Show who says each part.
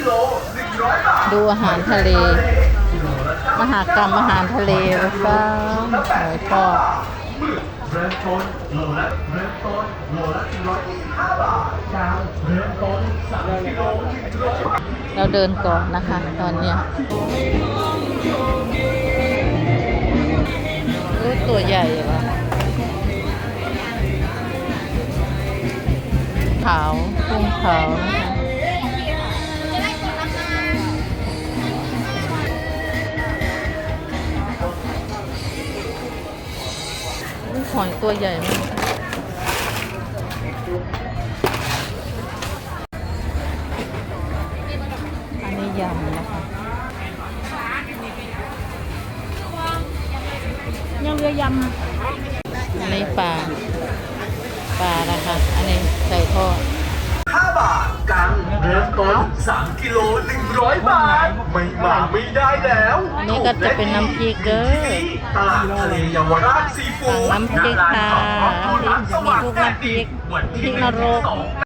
Speaker 1: ดูอาหารทะเลมหากรรมอาหารทะเลฟ้าหอยทอด
Speaker 2: เริ่มต้นโลละ125 บาทเช้าเริ่มต้น3 กิโล
Speaker 1: เราเดินก่อนนะคะตอนเนี้ยตัวใหญ่ว่ะขาวกุ้งขาวหอยตัวใหญ่มากอันนี้ยำนะคะ
Speaker 3: ยังเรือยำ
Speaker 1: อันนี้ปลานะคะอันนี้ใส่ทอด
Speaker 2: 5 บาทกังเริ่มต้น3 กิโล100 บาทไม่มาไม่ได้แล้ว
Speaker 1: อันนี้ก็จะเป็นน้ำพริกเด้อ
Speaker 2: ตลาดทะเลเยาวราชซีฟู้ด
Speaker 1: สั่งน้ำพริกค่ะ
Speaker 2: ณร้านส
Speaker 1: มี
Speaker 2: ว่าง
Speaker 1: ทุก
Speaker 2: แดด
Speaker 1: น้ำพริ
Speaker 2: ดี
Speaker 1: ก
Speaker 2: วัน
Speaker 1: พริ
Speaker 2: ที่
Speaker 1: กนรก
Speaker 2: 1-2